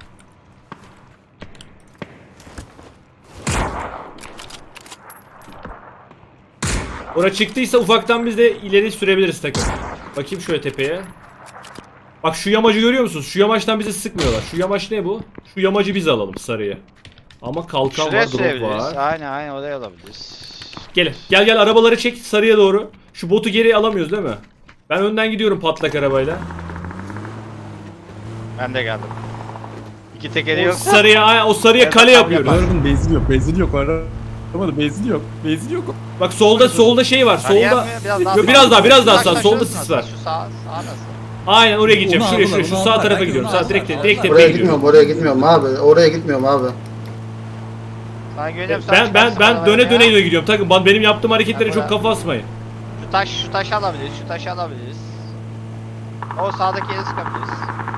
Speaker 1: Ora çıktıysa ufaktan biz de ileri sürebiliriz takım. Bakayım şöyle tepeye. Bak şu yamacı görüyor musunuz? Şu yamaçtan bizi sıkmıyorlar. Şu yamaç ne bu? Şu yamacı biz alalım sarıyı. Ama kalkan
Speaker 3: Şuraya
Speaker 1: var, drop
Speaker 3: sürebiliriz.
Speaker 1: var.
Speaker 3: Aynen aynen oraya alabiliriz.
Speaker 1: Gel gel gel arabaları çek sarıya doğru. Şu botu geri alamıyoruz değil mi? Ben önden gidiyorum patlak arabayla.
Speaker 3: Ben de geldim. İki tekeri
Speaker 1: O
Speaker 3: yok.
Speaker 1: sarıya ay- o sarıya
Speaker 3: Evet,
Speaker 1: kale
Speaker 3: tam
Speaker 1: yapıyoruz.
Speaker 3: yapar.
Speaker 2: Arabanın benzin yok. Benzin yok. Arabada benzin yok. Benzin yok.
Speaker 1: Bak solda solda şey var.
Speaker 3: Arayan
Speaker 1: Solda
Speaker 3: mı? Biraz daha
Speaker 1: Yo, biraz daha, biraz daha
Speaker 3: Şu
Speaker 1: sağ,
Speaker 3: taş-
Speaker 1: solda
Speaker 3: şurası
Speaker 1: sis var.
Speaker 3: nasıl? Şu sağ, sağ nasıl?
Speaker 1: aynen oraya gideceğim.
Speaker 2: Onu
Speaker 1: Şuraya
Speaker 2: aldılar,
Speaker 1: şuraya şu
Speaker 2: onu
Speaker 1: sağ
Speaker 2: aldılar.
Speaker 1: tarafa
Speaker 2: Belki
Speaker 1: gidiyorum.
Speaker 2: onu
Speaker 1: Sağ direkt
Speaker 2: aldılar.
Speaker 1: direkt
Speaker 2: Aldılar.
Speaker 1: tepeye
Speaker 4: Oraya
Speaker 1: gidiyorum.
Speaker 4: gitmiyorum, oraya gitmiyorum abi. Oraya gitmiyorum abi.
Speaker 3: Sana güveniyorum, sen
Speaker 1: Ben ben
Speaker 3: çıkarsın
Speaker 1: ben
Speaker 3: arabaya
Speaker 1: döne
Speaker 3: ya.
Speaker 1: döne gidiyorum. Takım ben benim yaptığım hareketlere
Speaker 3: Ben
Speaker 1: çok
Speaker 3: buraya-
Speaker 1: kafa asmayın.
Speaker 3: Şu taş, şu taşı alabiliriz, şu taşı alabiliriz. O sağdaki yeri sıkabiliriz.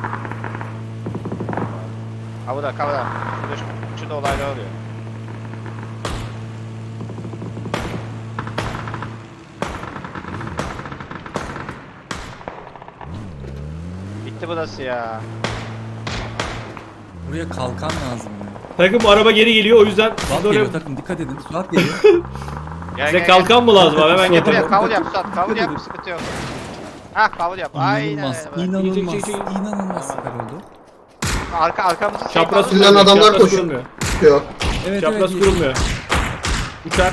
Speaker 3: Kavura kavura. Şurada, şu- şurada olaylar oluyor. Bitti burası ya.
Speaker 2: Buraya kalkan lazım ya.
Speaker 1: Takım araba geri geliyor o yüzden siz
Speaker 2: Suat
Speaker 1: de oraya...
Speaker 2: geliyor takım dikkat edin. Suat geliyor.
Speaker 3: Gel,
Speaker 1: Size
Speaker 3: gel,
Speaker 1: kalkan mı lazım abi hemen
Speaker 2: Suat
Speaker 3: gel.
Speaker 1: getir.
Speaker 3: Buraya kavur yap Suat, kavur yap, sıkıntı yok. Hah kavur yap, aynen
Speaker 2: İnanılmaz.
Speaker 3: öyle.
Speaker 2: İnanılmaz.
Speaker 1: Çek, çek, çek.
Speaker 2: İnanılmaz süper oldu.
Speaker 3: Arka, arkamızı şey
Speaker 1: Çapraz
Speaker 3: kavur.
Speaker 4: Filan
Speaker 1: kurulmuyor.
Speaker 4: adamlar
Speaker 1: Çapraz
Speaker 4: koşuyor.
Speaker 1: kurulmuyor.
Speaker 4: Yok.
Speaker 2: Evet
Speaker 1: Çapraz
Speaker 2: evet.
Speaker 1: kurulmuyor. Uçak.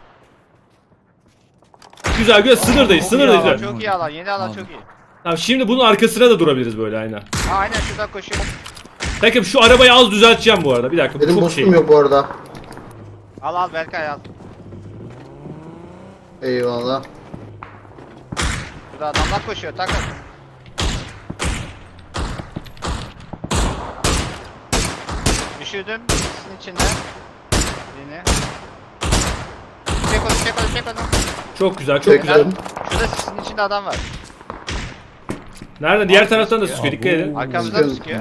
Speaker 1: Güzel güzel sınırdayız
Speaker 3: Çok iyi
Speaker 1: sınırdayız.
Speaker 3: alan,
Speaker 1: evet.
Speaker 3: çok iyi alan, yeni alan
Speaker 2: Aldım.
Speaker 3: çok iyi.
Speaker 1: Tamam şimdi bunun arkasına da durabiliriz böyle aynen.
Speaker 3: Ha, aynen şuradan koşuyor.
Speaker 1: Takım şu arabayı az düzelteceğim bu arada. Bir dakika bu
Speaker 4: Benim
Speaker 1: çok
Speaker 4: boostum
Speaker 1: şey.
Speaker 4: yok bu arada.
Speaker 3: Al al Berkay al.
Speaker 4: Eyvallah.
Speaker 3: Burada adamlar koşuyor, takın. Düşürdüm sisin içinde. Birini. Çek onu, çek onu, çek onu.
Speaker 1: Çok güzel çok
Speaker 4: Çok
Speaker 1: güzel.
Speaker 4: güzel.
Speaker 3: Şurada sisin içinde adam var.
Speaker 1: Nerede? Diğer taraftan da sıkıyor dikkat edin.
Speaker 3: Arkamızdan
Speaker 4: Sıkıyorum.
Speaker 3: sıkıyor.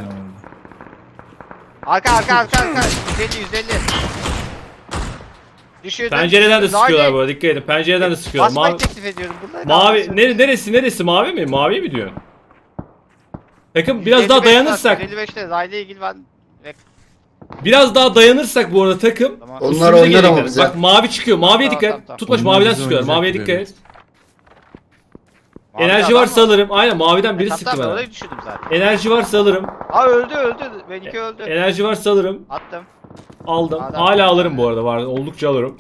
Speaker 3: Arka arka arka arka. yüz elli yüz elli. Düşürdüm.
Speaker 1: Pencereden de sıkıyorlar
Speaker 3: Zahide.
Speaker 1: bu arada dikkat edin. Pencereden de sıkıyorlar.
Speaker 3: Basmayı
Speaker 1: Mavi,
Speaker 3: teklif ediyorum. Bunları
Speaker 1: mavi
Speaker 3: kaldırsın.
Speaker 1: nere, neresi neresi mavi mi? Mavi mi diyorsun? Takım
Speaker 3: yüz
Speaker 1: biraz daha
Speaker 3: elli beş
Speaker 1: dayanırsak,
Speaker 3: yüz elli beşte Zahide ilgili ben.
Speaker 1: biraz daha dayanırsak bu arada takım.
Speaker 3: Tamam.
Speaker 4: Onlar
Speaker 1: üstümüze
Speaker 4: oynar
Speaker 1: gelecekler.
Speaker 4: ama bize.
Speaker 1: Bak mavi çıkıyor. Maviye
Speaker 3: Tamam,
Speaker 1: dikkat.
Speaker 3: tamam, tamam.
Speaker 1: Tutmaç
Speaker 2: Onlar
Speaker 1: maviden
Speaker 2: bizi
Speaker 1: sıkıyorlar. Maviye
Speaker 2: oynayacak
Speaker 1: dikkat
Speaker 2: evet.
Speaker 1: et.
Speaker 3: Mavi
Speaker 1: Enerji
Speaker 3: adam
Speaker 1: varsa alırım. Aynen maviden biri
Speaker 3: Tamam,
Speaker 1: sıktı
Speaker 3: tamam,
Speaker 1: bana.
Speaker 3: orayı düşürdüm zaten.
Speaker 1: Enerji varsa alırım.
Speaker 3: Aa öldü öldü. Benimki öldü.
Speaker 1: Enerji varsa alırım.
Speaker 3: Attım.
Speaker 1: Aldım.
Speaker 3: Adam-
Speaker 1: Hala alırım bu arada. Var. Oldukça alırım.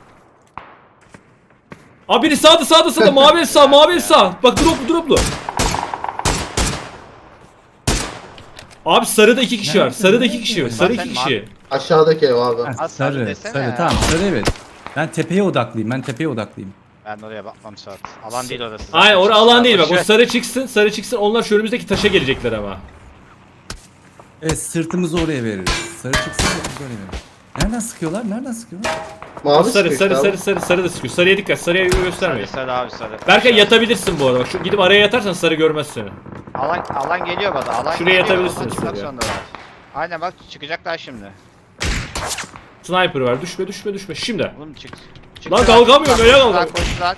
Speaker 1: Abi biri sağda sağda sağda mavi ev sağ mavi ev sağ. Bak droplu droplu. Abi sarıda iki kişi var. Sarıda iki kişi var. Sarı iki
Speaker 3: Zaten
Speaker 1: kişi.
Speaker 3: mavi-
Speaker 4: Aşağıdaki ev abi.
Speaker 2: Ha,
Speaker 3: Ha, sarı
Speaker 2: sarı,
Speaker 3: desene
Speaker 2: sarı
Speaker 3: ya.
Speaker 2: tamam sarı evet. Ben tepeye odaklıyım. Ben tepeye odaklıyım.
Speaker 3: Ben oraya bakmam Suat. Alan değil orası.
Speaker 1: Aynen orası alan değil bak. O
Speaker 3: Boş ver.
Speaker 1: sarı çıksın, sarı çıksın. Onlar şu önümüzdeki taşa gelecekler ama.
Speaker 2: Evet sırtımızı oraya veririz. Sarı çıksın sırtımızı oraya veririz. Nereden sıkıyorlar? Nereden sıkıyorlar?
Speaker 4: Mavi
Speaker 1: sarı,
Speaker 4: sıkıyor
Speaker 1: sarı,
Speaker 4: işte
Speaker 1: sarı,
Speaker 4: abi.
Speaker 1: sarı, sarı da sıkıyor. Sarıya dikkat. Sarıya göstermeyin.
Speaker 3: Sarı sarı abi sarı.
Speaker 1: Berkay yatabilirsin bu arada. Bak şu gidip araya yatarsan sarı görmez seni.
Speaker 3: Alan, alan geliyor bana. Alan
Speaker 1: Şuraya
Speaker 3: geliyor,
Speaker 1: yatabilirsiniz
Speaker 3: oradan çıkmak
Speaker 1: şuraya.
Speaker 3: zorundalar. Aynen bak çıkacaklar şimdi.
Speaker 1: Sniper var. Düşme, düşme, düşme. Şimdi.
Speaker 3: Oğlum çık.
Speaker 1: Lan kalkamıyorum, öyle kalkamıyorum.
Speaker 3: Lan koştular.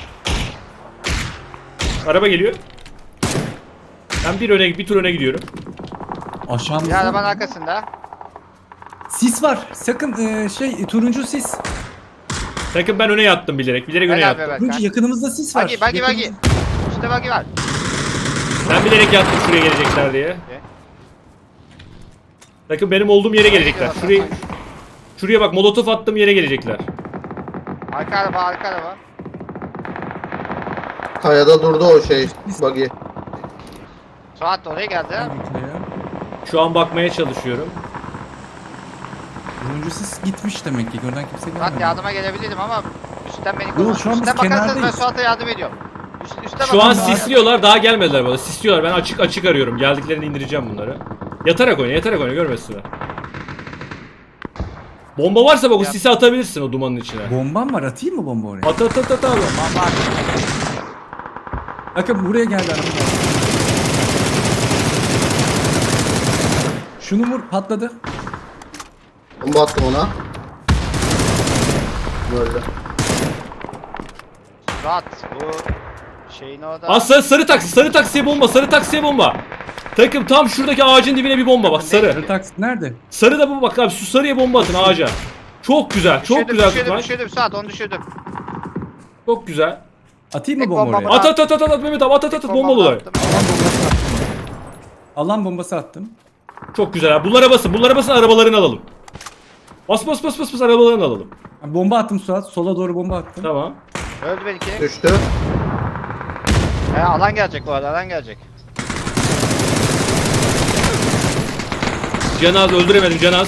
Speaker 1: Araba geliyor. Ben bir öne, bir tur öne gidiyorum.
Speaker 3: Bir
Speaker 2: Aşağımızda.
Speaker 3: arabanın arkasında.
Speaker 2: Sis var. Sakın e, şey turuncu sis.
Speaker 1: Takım ben öne yattım bilerek. Bilerek öne
Speaker 3: Gel abi
Speaker 1: yattım.
Speaker 3: bak.
Speaker 2: Turuncu yakınımızda sis var.
Speaker 3: Bagi bagi bagi.
Speaker 2: Yakınımızda-
Speaker 3: Üstte bagi var.
Speaker 1: Ben bilerek yattım şuraya gelecekler diye. Takım benim olduğum yere gelecekler. Şuraya, şuraya bak molotof attığım yere gelecekler.
Speaker 3: Arka araba arka araba.
Speaker 4: Kayada durdu o şey. Buggy.
Speaker 3: Suat oraya geldi.
Speaker 1: Şu an bakmaya çalışıyorum.
Speaker 2: Turuncu sis gitmiş demek ki. Gören kimse
Speaker 3: Suat
Speaker 2: gelmedi.
Speaker 3: yardıma gelebilirdim ama üstten beni
Speaker 2: Yok,
Speaker 3: korusun.
Speaker 2: şu an biz
Speaker 3: Üstten bakarsanız ben
Speaker 2: kenardayız.
Speaker 3: Suat'a yardım ediyorum. Üst, üste
Speaker 1: Şu an
Speaker 3: bakarsanız-
Speaker 1: sisliyorlar. Daha gelmediler bana. Sisliyorlar. Ben açık açık arıyorum. Geldiklerini indireceğim bunları. Yatarak oyna. Yatarak oyna. Görmesinler. Bomba varsa bak o
Speaker 3: Yap.
Speaker 1: sisi atabilirsin o dumanın içine.
Speaker 2: Bombam var. Atayım mı bomba oraya?
Speaker 1: At at at at abi.
Speaker 3: Bak,
Speaker 2: Bakın buraya geldi araba. Şunu vur patladı.
Speaker 4: Bomba attım ona. Böyle.
Speaker 3: Suat bu şeyin orada.
Speaker 1: Aa, sarı, sarı taksi. Sarı taksiye bomba. Sarı taksiye bomba. Takım tam şuradaki ağacın dibine bir bomba bak sarı.
Speaker 2: Sarı taksi nerede?
Speaker 1: Sarı da bu bak abi şu sarıya bomba atın ağaca. Çok güzel. Çok
Speaker 3: Düşürdüm,
Speaker 1: güzel
Speaker 3: düşürdüm,
Speaker 1: tutmaç.
Speaker 3: düşürdüm Suat onu düşürdüm.
Speaker 1: Çok güzel.
Speaker 2: Atayım mı
Speaker 3: Tek
Speaker 2: bomba
Speaker 3: bombamı
Speaker 2: oraya?
Speaker 1: At at at at at Mehmet abi at at at
Speaker 3: Bombamı
Speaker 1: bombalılar.
Speaker 3: attım.
Speaker 2: Alan bombası attım.
Speaker 1: Çok güzel abi. Bunlara basın. Bunlara basın arabalarını alalım. Bas bas bas bas bas arabalarını alalım.
Speaker 2: Bomba attım Suat. Sola doğru bomba attım.
Speaker 1: Tamam.
Speaker 3: Öldü belki.
Speaker 4: Düştü.
Speaker 3: He, alan gelecek bu arada alan gelecek.
Speaker 1: Canaz öldüremedim Canaz.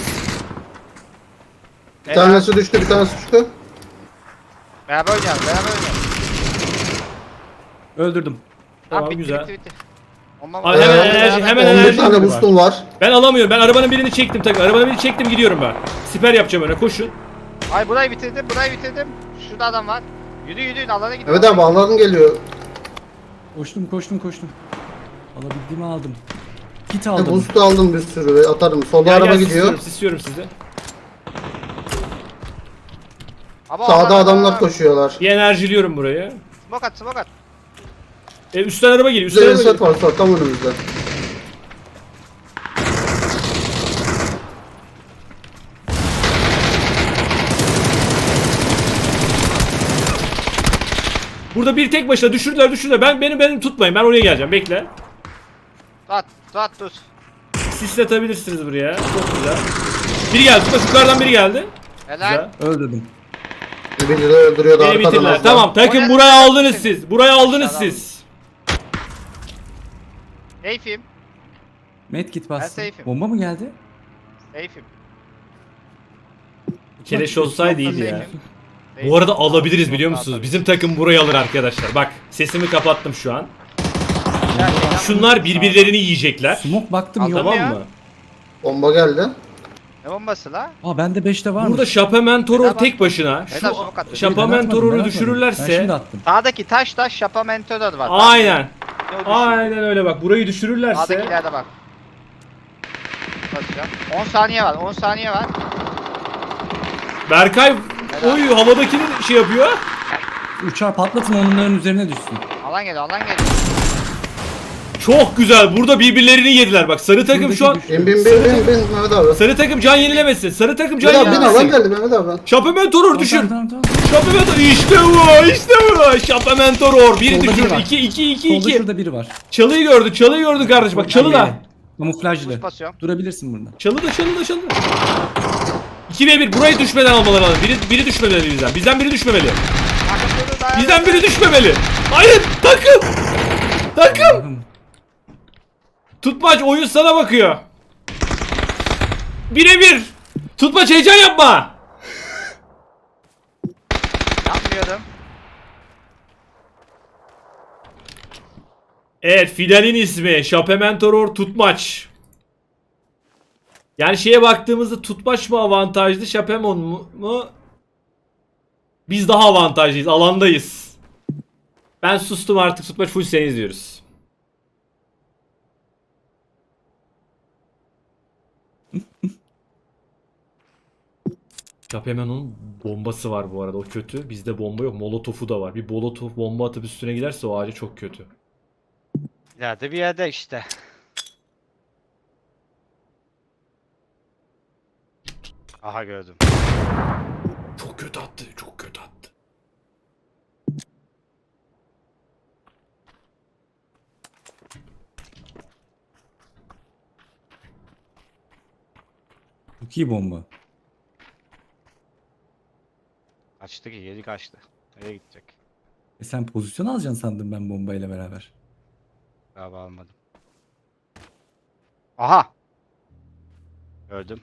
Speaker 4: Bir tanesi düştü, bir tanesi düştü.
Speaker 3: Beraber oynayalım beraber oynayalım.
Speaker 2: Öldürdüm.
Speaker 1: Tamam,
Speaker 3: bitti,
Speaker 1: güzel.
Speaker 3: Bitti, bitti. Bomba
Speaker 1: Abi
Speaker 3: var.
Speaker 1: hemen
Speaker 4: Ee,
Speaker 1: enerji hemen
Speaker 4: on bir
Speaker 1: enerji.
Speaker 4: tane boostum var.
Speaker 1: Ben alamıyorum. Ben arabanın birini çektim takım. Arabanın birini çektim gidiyorum ben. Siper yapacağım öne koşun.
Speaker 3: Ay burayı bitirdim burayı bitirdim. Şurada adam var. Yürü yürü alana gidiyor.
Speaker 4: Evet abi anladın geliyor.
Speaker 2: Koştum koştum koştum. Alabildiğimi aldım. Kit
Speaker 4: E,
Speaker 2: aldım.
Speaker 4: Boost'u aldım bir sürü ve atarım. Solda
Speaker 1: Gel,
Speaker 4: araba
Speaker 1: gel,
Speaker 4: gidiyor.
Speaker 1: Sisliyorum, sisliyorum sizi.
Speaker 3: Abo,
Speaker 4: Sağda
Speaker 3: aman,
Speaker 4: adamlar
Speaker 3: aman.
Speaker 4: koşuyorlar.
Speaker 1: Bir enerjiliyorum burayı.
Speaker 3: Smoke at smoke at.
Speaker 1: E, üstten araba geliyor. Üstten
Speaker 4: Güzel
Speaker 1: araba
Speaker 4: reset
Speaker 1: geliyor.
Speaker 4: var Suat tam önümüzde.
Speaker 1: Burada bir tek başına düşürdüler düşürdüler. Ben benim benim tutmayın. Ben oraya geleceğim. Bekle.
Speaker 3: Suat Suat dur.
Speaker 1: Sisletebilirsiniz buraya. Çok güzel. Biri geldi. Tutma yukarıdan biri geldi.
Speaker 3: Helal.
Speaker 1: Güzel.
Speaker 2: Öldürdüm.
Speaker 4: Birini de öldürüyordu
Speaker 1: Beni
Speaker 4: arkadan.
Speaker 1: bitirdiler.
Speaker 4: az daha.
Speaker 1: Tamam takım
Speaker 3: Oraya-
Speaker 1: burayı aldınız siz. Burayı aldınız
Speaker 3: Aşağıdan.
Speaker 1: siz.
Speaker 3: Safe'im.
Speaker 2: Medkit bastım.
Speaker 3: safe'im.
Speaker 2: Bomba mı geldi?
Speaker 3: Safe'im.
Speaker 1: Keleş olsaydı iyiydi ya.
Speaker 3: Safe'im.
Speaker 1: Bu arada alabiliriz biliyor musunuz? Bizim takım burayı alır arkadaşlar. Bak sesimi kapattım şu an. Şunlar birbirlerini yiyecekler.
Speaker 2: Smoke baktım
Speaker 3: Aldım
Speaker 2: yok.
Speaker 1: Tamam
Speaker 3: ya.
Speaker 1: mı?
Speaker 4: Bomba geldi.
Speaker 3: Ne bombası la?
Speaker 2: Aa bende beşte varmış.
Speaker 1: Burada Şapamentoror
Speaker 3: Neden
Speaker 1: tek başına
Speaker 3: Neden
Speaker 1: şu
Speaker 3: smoke attın?
Speaker 1: Şapamentoror'u
Speaker 2: Ben şimdi
Speaker 1: düşürürlerse
Speaker 2: attım.
Speaker 3: Sağdaki taş taş şapa mentörler var.
Speaker 1: aynen.
Speaker 3: Ne o düşüyor?
Speaker 1: Aynen öyle bak burayı düşürürlerse
Speaker 3: Sağdakilerde bak. Basacağım. on saniye var on saniye var.
Speaker 1: Berkay oy havadakini şey yapıyor.
Speaker 2: Uçağı patlatın onların üzerine düşsün.
Speaker 3: Alan geliyor alan geliyor.
Speaker 1: Çok güzel. Burada birbirlerini yediler. Bak sarı takım şu an
Speaker 2: Şuradaki
Speaker 4: Bin bin bin bin bin Mehmet abi.
Speaker 1: sarı takım can yenilemesin. Sarı takım can
Speaker 4: Mehmet abi bin alan
Speaker 1: yenilemesin.
Speaker 4: geldi Mehmet abi.
Speaker 1: Şapamentoror
Speaker 2: Tamam,
Speaker 1: düşür.
Speaker 2: tamam, tamam.
Speaker 1: Şapamentoror işte bu. İşte bu. Şapamentoror bir
Speaker 2: Solda biri
Speaker 1: düşür.
Speaker 2: var.
Speaker 1: iki iki iki
Speaker 2: Solda
Speaker 1: iki.
Speaker 2: şurada biri var.
Speaker 1: Çalıyı gördü. Çalıyı gördü kardeş. Bak çalı da.
Speaker 2: Kamuflajlı.
Speaker 3: Buz basıyorum.
Speaker 2: Durabilirsin burada.
Speaker 1: Çalı da çalı da çalı da. iki ve bir burayı düşmeden almaları lazım. Biri, biri düşmemeli bizden. Bizden biri düşmemeli.
Speaker 3: Takım durdu, dayan.
Speaker 1: Bizden biri düşmemeli. Hayır takım. Takım.
Speaker 2: Allah'ım.
Speaker 1: Tutmaç oyun sana bakıyor. Bire bir. Tutmaç heyecan yapma.
Speaker 3: Bakıyorum.
Speaker 1: Evet, fidanın ismi Şapementoror Tutmaç. Yani şeye baktığımızda Tutmaç mı avantajlı, Şapemon mu? mu? Biz daha avantajlıyız, alandayız. Ben sustum artık, Tutmaç full seni izliyoruz. Şapemenon'un bombası var bu arada, o kötü. Bizde bomba yok, molotofu da var. Bir molotof bomba atıp üstüne giderse o ağaca çok kötü.
Speaker 3: İleride bir yerde işte. Aha gördüm.
Speaker 1: Çok kötü attı, çok kötü attı.
Speaker 2: Çok iyi bomba.
Speaker 3: Kaçtı ki, geri kaçtı. Nereye gidecek?
Speaker 2: E sen pozisyon alacaksın sandım ben bombayla beraber.
Speaker 3: Galiba almadım. Aha! Gördüm.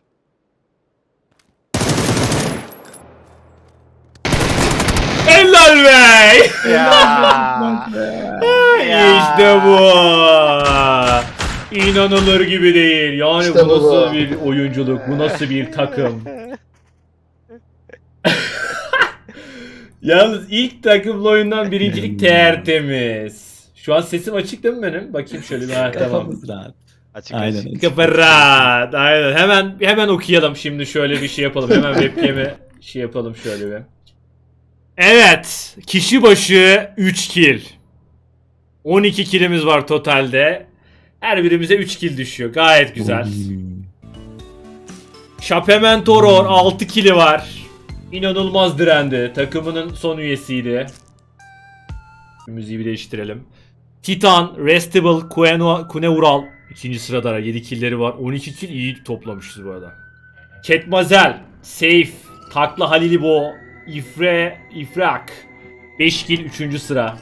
Speaker 1: Helal be!
Speaker 3: Ya.
Speaker 1: İşte bu. İnanılır gibi değil. Yani
Speaker 4: İşte
Speaker 1: bu
Speaker 4: bu.
Speaker 1: nasıl bir oyunculuk, bu nasıl bir takım. Yalnız ilk takımlı oyundan birincilik tertemiz. Şu an sesim açık değil mi benim? Bakayım şöyle bir. Ha, tamam.
Speaker 2: Kafamız rahat.
Speaker 3: Açık
Speaker 2: Aynen.
Speaker 3: açık.
Speaker 1: Kafa rahat. Aynen. Hemen hemen okuyalım şimdi, şöyle bir şey yapalım. Hemen webcam'i şey yapalım şöyle bir. Evet. Kişi başı üç kill. on iki killimiz var totalde. Her birimize üç kill düşüyor. Gayet güzel. Şapementoror altı kill'i var. İnanılmaz direndi. Takımının son üyesiydi. Müziği bir değiştirelim. Titan, Restable, Kueno- Kuneural ikinci sırada yedi kill'leri var. on iki kill iyi toplamışız bu arada. Ketmazel, Safe, Takla Halilibo, İfre, İfrak beş kill üçüncü sıra.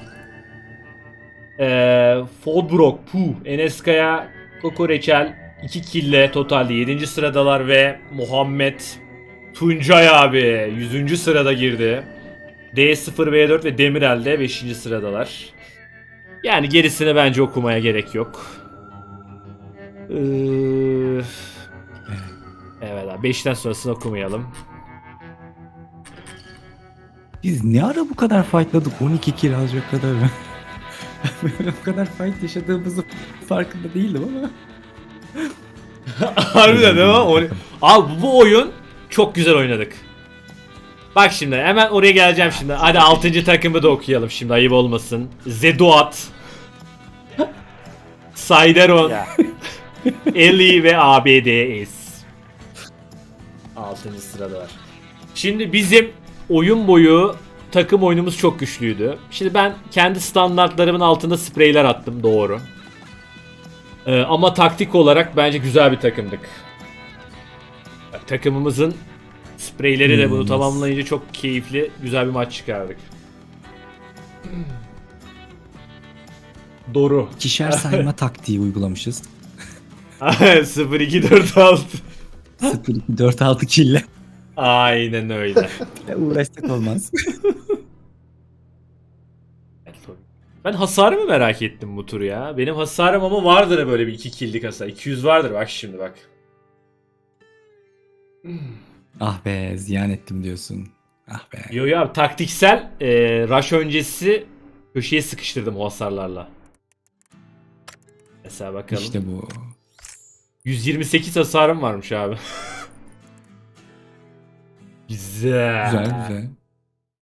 Speaker 1: Ee, Fodbrok, Puh, Eneskaya, Koko Reçel iki kill'le totalde yedinci sıradalar ve Muhammed Tuncay abi yüzüncü sırada girdi. D sıfır V dört ve Demirel de beşinci sıradalar. Yani gerisini bence okumaya gerek yok. Ee, evet abi, beşten sonrasını okumayalım.
Speaker 2: Biz ne ara bu kadar fightladık? on iki kill alacak kadar. Ben bu kadar fight yaşadığımızı farkında değildim ama.
Speaker 1: Harbiden değil mi? O- Abi bu oyun çok güzel oynadık. Bak şimdi hemen oraya geleceğim şimdi. Hadi altıncı takımı da okuyalım şimdi, ayıp olmasın. Zeduat, Sayderon,
Speaker 3: Ya.
Speaker 1: Eli ve A B D S. altıncı sıradalar. Şimdi bizim oyun boyu takım oyunumuz çok güçlüydü. Şimdi ben kendi standartlarımın altında spreyler attım, doğru. Ee, ama taktik olarak bence güzel bir takımdık. Bak, takımımızın spreyleri de bunu
Speaker 2: Hmm.
Speaker 1: tamamlayınca çok keyifli, güzel bir maç çıkardık. Doğru.
Speaker 2: İkişer sayma taktiği uygulamışız.
Speaker 1: sıfır iki dört altı.
Speaker 2: sıfır iki dört altı kille.
Speaker 1: Aynen öyle.
Speaker 2: Uğraşsak olmaz.
Speaker 1: Ben hasarı mı merak ettim bu tur ya? Benim hasarım ama vardır böyle bir iki kill'lik hasar. iki yüz vardır bak şimdi bak.
Speaker 2: Ah be, ziyan ettim diyorsun. Ah be.
Speaker 1: Yo yo abi, taktiksel e, rush öncesi köşeye sıkıştırdım o hasarlarla. Mesela bakalım.
Speaker 2: İşte bu.
Speaker 1: yüz yirmi sekiz hasarım varmış abi. Güzel.
Speaker 2: Güzel güzel.